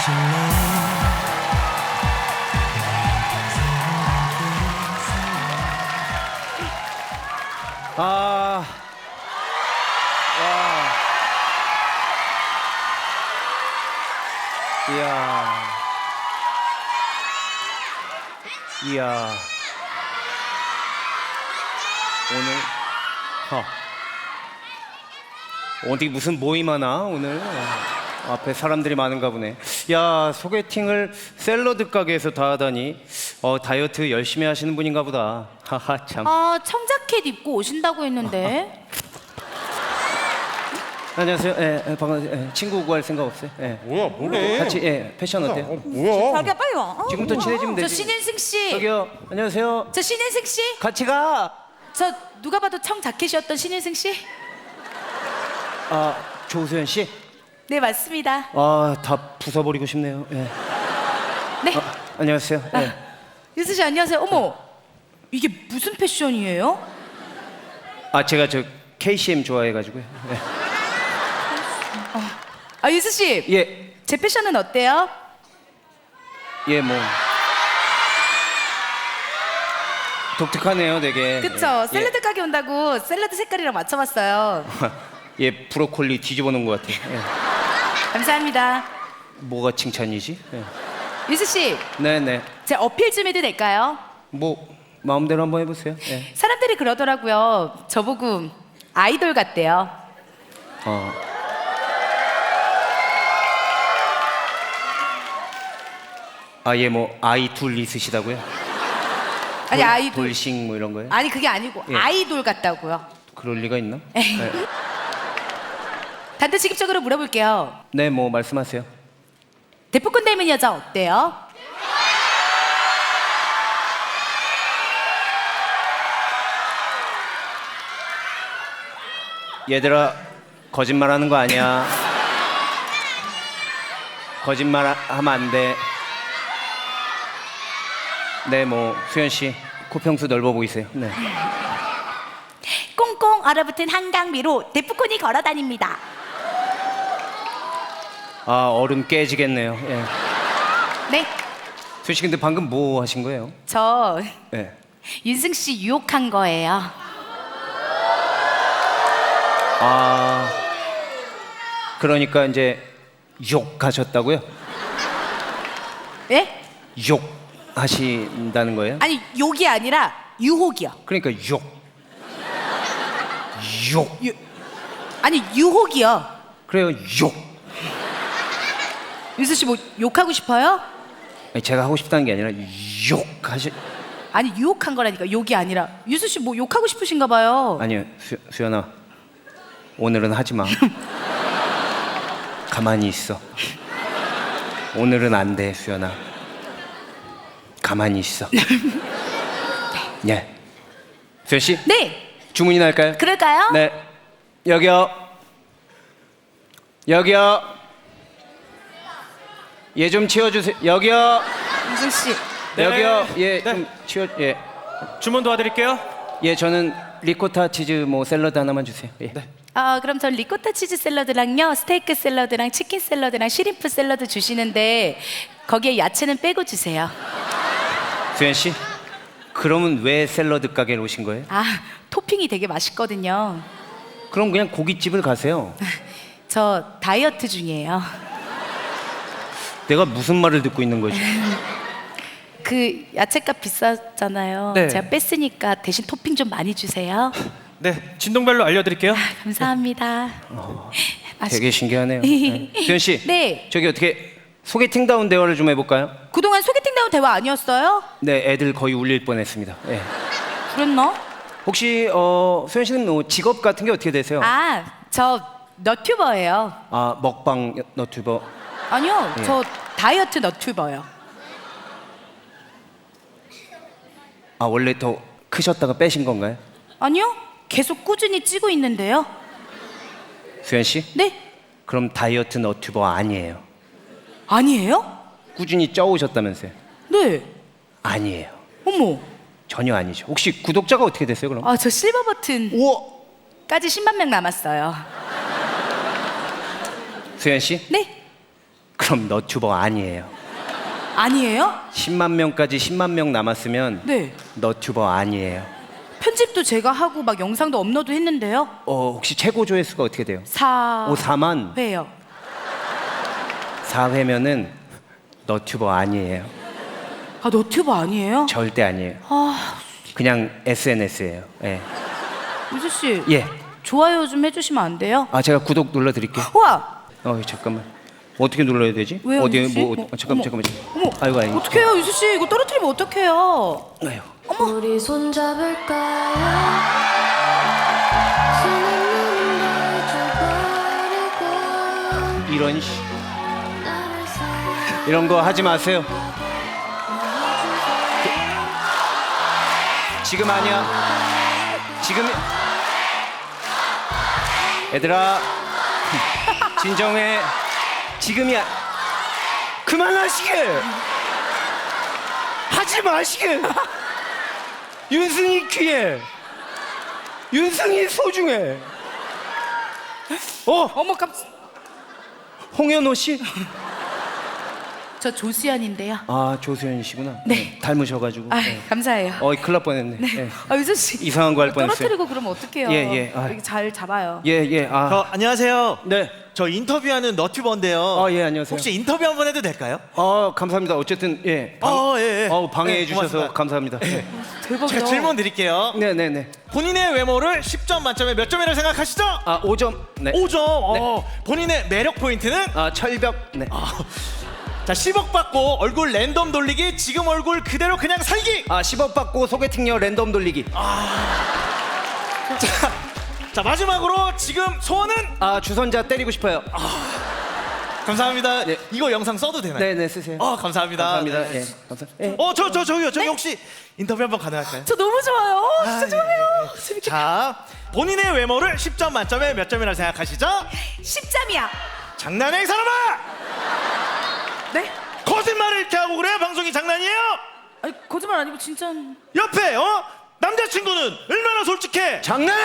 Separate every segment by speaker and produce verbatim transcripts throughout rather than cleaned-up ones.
Speaker 1: 아, 와, 이야, 이야, 오늘, 어, 어디 무슨 모임 하나 오늘? 앞에 사람들이 많은가 보네. 야, 소개팅을 샐러드 가게에서 다 하다니. 어, 다이어트 열심히 하시는 분인가 보다. 하하, 참.
Speaker 2: 아, 청자켓 입고 오신다고 했는데.
Speaker 1: 안녕하세요. 예, 예, 반갑. 예, 친구 구할 생각 없어요? 예.
Speaker 3: 뭐야, 뭐래?
Speaker 1: 같이 예, 패션 어때요?
Speaker 3: 어, 뭐야?
Speaker 4: 자기야 빨리 와. 어.
Speaker 1: 지금부터 친해지면
Speaker 2: 저
Speaker 1: 되지.
Speaker 2: 신인승 씨.
Speaker 1: 저기요. 안녕하세요.
Speaker 2: 저 신인승 씨.
Speaker 1: 같이 가.
Speaker 2: 저 누가 봐도 청자켓이었던 신인승 씨.
Speaker 1: 아, 조수연 씨.
Speaker 2: 네, 맞습니다.
Speaker 1: 아, 다 부숴버리고 싶네요. 예.
Speaker 2: 네.
Speaker 1: 아, 안녕하세요. 예.
Speaker 2: 유수 씨 안녕하세요. 어머. 이게 무슨 패션이에요?
Speaker 1: 아, 제가 저 케이씨엠 좋아해가지고요. 예.
Speaker 2: 아, 유수 씨.
Speaker 1: 예,
Speaker 2: 제 패션은 어때요?
Speaker 1: 예, 뭐 독특하네요, 되게.
Speaker 2: 그쵸?
Speaker 1: 예.
Speaker 2: 샐러드 가게 온다고 샐러드 색깔이랑 맞춰봤어요.
Speaker 1: 예, 브로콜리 뒤집어 놓은 것 같아요. 예.
Speaker 2: 감사합니다.
Speaker 1: 뭐가 칭찬이지? 예.
Speaker 2: 유수 씨,
Speaker 1: 네네.
Speaker 2: 제 어필 좀 해도 될까요?
Speaker 1: 뭐 마음대로 한번 해보세요. 예.
Speaker 2: 사람들이 그러더라고요. 저보고 아이돌 같대요.
Speaker 1: 어. 아, 예, 뭐 아이 둘 있으시다고요?
Speaker 2: 아니,
Speaker 1: 돌-
Speaker 2: 아이돌.
Speaker 1: 돌싱 뭐 이런 거요?
Speaker 2: 아니, 그게 아니고
Speaker 1: 예.
Speaker 2: 아이돌 같다고요.
Speaker 1: 그럴 리가 있나?
Speaker 2: 에이.
Speaker 1: 네.
Speaker 2: 단도직입적으로 물어볼게요.
Speaker 1: 네, 뭐 말씀하세요.
Speaker 2: 대포콘 닮은 여자 어때요?
Speaker 1: 얘들아, 거짓말하는 거 아니야. 거짓말 하- 하면 안 돼. 네, 뭐 수현 씨 코평수 넓어 보이세요. 네.
Speaker 2: 꽁꽁 얼어붙은 한강 위로 대포콘이 걸어 다닙니다.
Speaker 1: 아, 얼음 깨지겠네요. 예.
Speaker 2: 네,
Speaker 1: 수현 씨 근데 방금 뭐 하신 거예요?
Speaker 2: 저
Speaker 1: 예.
Speaker 2: 윤승 씨 유혹한 거예요.
Speaker 1: 아, 그러니까 이제 욕하셨다고요?
Speaker 2: 예?
Speaker 1: 욕하신다는 거예요?
Speaker 2: 아니, 욕이 아니라 유혹이요.
Speaker 1: 그러니까 욕. 욕.
Speaker 2: 유... 아니, 유혹이요.
Speaker 1: 그래요, 욕.
Speaker 2: 윤승 씨 뭐 욕하고 싶어요?
Speaker 1: 아니, 제가 하고 싶다는 게 아니라 욕하시.
Speaker 2: 아니, 유혹한 거라니까. 욕이 아니라. 윤승 씨 뭐 욕하고 싶으신가 봐요.
Speaker 1: 아니요, 수, 수연아. 오늘은 하지 마. 가만히 있어. 오늘은 안 돼, 수연아. 가만히 있어. 예. 수연 씨,
Speaker 2: 네,
Speaker 1: 주문이나 할까요?
Speaker 2: 그럴까요?
Speaker 1: 네. 여기요. 여기요. 얘 좀 치워주세요. 여기요.
Speaker 2: 윤승 씨.
Speaker 3: 네.
Speaker 1: 여기요. 예,
Speaker 3: 네.
Speaker 1: 좀 치워. 예.
Speaker 3: 주문 도와드릴게요.
Speaker 1: 예, 저는 리코타 치즈 뭐 샐러드 하나만 주세요. 예.
Speaker 2: 아, 그럼 전 리코타 치즈 샐러드랑요, 스테이크 샐러드랑 치킨 샐러드랑 시림프 샐러드 주시는데 거기에 야채는 빼고 주세요.
Speaker 1: 수연 씨, 그러면 왜 샐러드 가게를 오신 거예요?
Speaker 2: 아, 토핑이 되게 맛있거든요.
Speaker 1: 그럼 그냥 고깃집을 가세요.
Speaker 2: 저 다이어트 중이에요.
Speaker 1: 내가 무슨 말을 듣고 있는 거지?
Speaker 2: 그 야채값 비싸잖아요.
Speaker 3: 네.
Speaker 2: 제가 뺐으니까 대신 토핑 좀 많이 주세요.
Speaker 3: 네, 진동벨로 알려드릴게요.
Speaker 2: 감사합니다. 맛있-
Speaker 1: 되게 신기하네요. 네. 수연 씨,
Speaker 2: 네.
Speaker 1: 저기 어떻게 소개팅다운 대화를 좀 해볼까요?
Speaker 2: 그동안 소개팅다운 대화 아니었어요?
Speaker 1: 네, 애들 거의 울릴 뻔했습니다. 예.
Speaker 2: 그랬나?
Speaker 1: 혹시 어, 수연 씨는 뭐 직업 같은 게 어떻게 되세요?
Speaker 2: 아, 저 너튜버예요.
Speaker 1: 아, 먹방 너튜버.
Speaker 2: 아니요,
Speaker 1: 예.
Speaker 2: 저 다이어트 너튜버요.
Speaker 1: 아, 원래 더 크셨다가 빼신 건가요?
Speaker 2: 아니요, 계속 꾸준히 찌고 있는데요.
Speaker 1: 수연 씨?
Speaker 2: 네?
Speaker 1: 그럼 다이어트 너튜버 아니에요.
Speaker 2: 아니에요?
Speaker 1: 꾸준히 쪄오셨다면서요?
Speaker 2: 네.
Speaker 1: 아니에요.
Speaker 2: 어머.
Speaker 1: 전혀 아니죠. 혹시 구독자가 어떻게 됐어요, 그럼?
Speaker 2: 아, 저 실버 버튼까지
Speaker 1: 우와!
Speaker 2: 십만 명 남았어요.
Speaker 1: 수연 씨?
Speaker 2: 네?
Speaker 1: 그럼 너튜버 아니에요.
Speaker 2: 아니에요?
Speaker 1: 십만 명까지 십만 명 남았으면
Speaker 2: 네.
Speaker 1: 너튜버 아니에요.
Speaker 2: 편집도 제가 하고 막 영상도 업로드 했는데요.
Speaker 1: 어, 혹시 최고 조회수가 어떻게 돼요?
Speaker 2: 사
Speaker 1: 오, 사만?
Speaker 2: 회요.
Speaker 1: 사 회면은 너튜버 아니에요.
Speaker 2: 아 너튜버 아니에요?
Speaker 1: 절대 아니에요.
Speaker 2: 아
Speaker 1: 그냥 에스엔에스예요. 예.
Speaker 2: 유수 씨.
Speaker 1: 예.
Speaker 2: 좋아요 좀 해주시면 안 돼요?
Speaker 1: 아, 제가 구독 눌러 드릴게요.
Speaker 2: 우와.
Speaker 1: 어, 잠깐만. 어떻게 눌러야 되지?
Speaker 2: 왜요,
Speaker 1: 어디
Speaker 2: 유수 씨?
Speaker 1: 뭐
Speaker 2: 뭐,
Speaker 1: 어, 잠깐만
Speaker 2: 어머,
Speaker 1: 잠깐만.
Speaker 2: 어머.
Speaker 1: 아이고 아이고.
Speaker 2: 어떡해요 유수 씨 이거 떨어뜨리면 어떡해요?
Speaker 1: 아이고.
Speaker 4: 우리 손잡을까요? 수는 잊어버리고
Speaker 1: 이런 씨.
Speaker 4: 나를 사랑해
Speaker 1: 이런 거 하지 마세요. 지금 아니야. 지금 얘들아 진정해. 지금이야. 그만하시게. 하지 마시게. 윤승이 귀해. 윤승이 소중해. 어,
Speaker 2: 어머 깜짝.
Speaker 1: 홍현호 씨?
Speaker 2: 저 조수연인데요.
Speaker 1: 아, 조수연 씨구나.
Speaker 2: 네.
Speaker 1: 닮으셔가지고.
Speaker 2: 아
Speaker 1: 네.
Speaker 2: 감사해요.
Speaker 1: 어, 큰일 날 뻔했네. 예.
Speaker 2: 아 유수 씨
Speaker 1: 이상한 거 할 뻔했어요.
Speaker 2: 떨어뜨리고 그러면 어떡해요?
Speaker 1: 예, 예. 아.
Speaker 2: 이렇게 잘 잡아요.
Speaker 1: 예, 예. 아,
Speaker 5: 저 안녕하세요.
Speaker 1: 네.
Speaker 5: 저 인터뷰하는 너튜버인데요.
Speaker 1: 아, 예, 안녕하세요.
Speaker 5: 혹시 인터뷰 한번 해도 될까요?
Speaker 1: 어, 감사합니다. 어쨌든 예.
Speaker 5: 어, 예, 예.
Speaker 1: 어, 방해해
Speaker 5: 네,
Speaker 1: 주셔서
Speaker 5: 고맙습니다.
Speaker 1: 감사합니다.
Speaker 2: 대박이다.
Speaker 5: 제가 질문 드릴게요.
Speaker 1: 네, 네, 네.
Speaker 5: 본인의 외모를 십 점 만점에 몇 점이라고 생각하시죠?
Speaker 1: 아, 오 점. 네.
Speaker 5: 오 점. 어, 본인의 매력 포인트는?
Speaker 1: 아, 철벽. 네.
Speaker 5: 자, 십억 받고 얼굴 랜덤 돌리기, 지금 얼굴 그대로 그냥 살기.
Speaker 1: 아, 십억 받고 소개팅녀 랜덤 돌리기.
Speaker 5: 자, 자, 마지막으로 지금 소원은?
Speaker 1: 아, 주선자 때리고 싶어요.
Speaker 5: 감사합니다.
Speaker 1: 네.
Speaker 5: 이거 영상 써도 되나요?
Speaker 1: 네, 네, 쓰세요.
Speaker 5: 어, 감사합니다.
Speaker 1: 감사합니다.
Speaker 5: 네.
Speaker 1: 예. 감사. 예.
Speaker 5: 어, 저, 저, 저기요. 저기 혹시 인터뷰 한번 가능할까요?
Speaker 2: 저 너무 좋아요. 어, 진짜
Speaker 5: 아, 예,
Speaker 2: 좋아요.
Speaker 5: 예.
Speaker 2: 재밌게.
Speaker 5: 자, 본인의 외모를 십 점 만점에 몇 점이라고 생각하시죠?
Speaker 2: 십 점이야.
Speaker 5: 장난해, 이 사람아!
Speaker 2: 네?
Speaker 5: 거짓말을 이렇게 하고 그래? 방송이 장난이에요?
Speaker 2: 아니 거짓말 아니고 진짜.
Speaker 5: 옆에 어? 남자친구는 얼마나 솔직해?
Speaker 1: 장난해!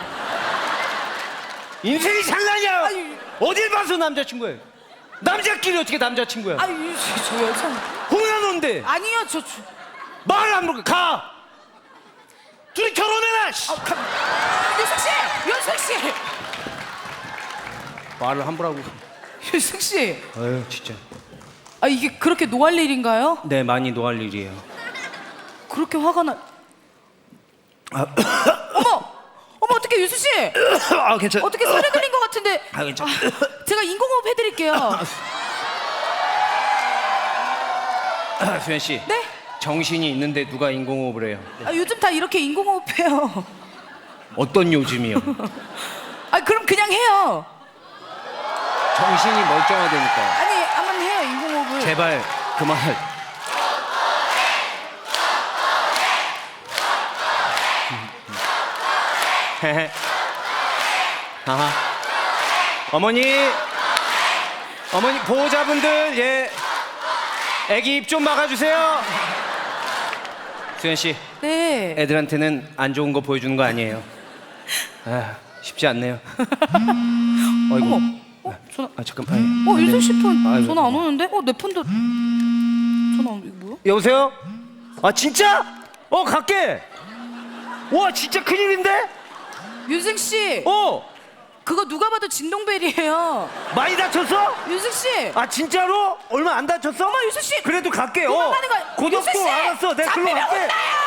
Speaker 1: 인생이 장난이야.
Speaker 2: 아니.
Speaker 1: 어딜 봐서 남자친구예요? 남자끼리 어떻게 남자친구야?
Speaker 2: 아니 유수 씨, 저 여자.
Speaker 1: 홍현호인데
Speaker 2: 아니요 저. 저...
Speaker 1: 말 안 부르고 가.
Speaker 5: 둘이 결혼해라! 씨.
Speaker 2: 아, 감... 유숙 씨, 유숙 씨,
Speaker 1: 말을 함부로 하고.
Speaker 2: 유숙 씨.
Speaker 1: 아유, 진짜.
Speaker 2: 아 이게 그렇게 노할 일인가요?
Speaker 1: 네, 많이 노할 일이에요.
Speaker 2: 그렇게 화가 나. 어머, 어머 어떻게 유수 씨?
Speaker 1: 아, 괜찮아.
Speaker 2: 어떻게 소리 들린 것 같은데?
Speaker 1: 아, 괜찮아.
Speaker 2: 제가 인공호흡 해드릴게요.
Speaker 1: 아, 수현 씨.
Speaker 2: 네?
Speaker 1: 정신이 있는데 누가 인공호흡을 해요?
Speaker 2: 아, 요즘 다 이렇게 인공호흡해요.
Speaker 1: 어떤 요즘이요?
Speaker 2: 아 그럼 그냥 해요.
Speaker 1: 정신이 멀쩡하다니까.
Speaker 2: 아니 한번 해요 인공호흡을.
Speaker 1: 제발 그만. 헤헤. 아하. 어머니, 어머니 보호자분들 예, 애기 입 좀 막아주세요. 수현 씨,
Speaker 2: 네.
Speaker 1: 애들한테는 안 좋은 거 보여주는 거 아니에요. 아, 쉽지 않네요. 어이구.
Speaker 2: 어 전화.
Speaker 1: 아 잠깐만.
Speaker 2: 어 유숙 씨 폰
Speaker 1: 아이고.
Speaker 2: 전화 안 오는데? 어 내 폰도 전화 안 이거 뭐야?
Speaker 1: 여보세요? 아 진짜? 어 갈게. 와 진짜 큰일인데?
Speaker 2: 유승 씨.
Speaker 1: 어
Speaker 2: 그거 누가 봐도 진동벨이에요.
Speaker 1: 많이 다쳤어?
Speaker 2: 유승 씨.
Speaker 1: 아 진짜로? 얼마 안 다쳤어?
Speaker 2: 어머 유승 씨.
Speaker 1: 그래도 갈게. 어.
Speaker 2: 도망가는 거야.
Speaker 1: 고독도
Speaker 2: 유승 씨!
Speaker 1: 알았어. 내가 글로
Speaker 2: 잡히면
Speaker 1: 갈게.
Speaker 2: 혼나요.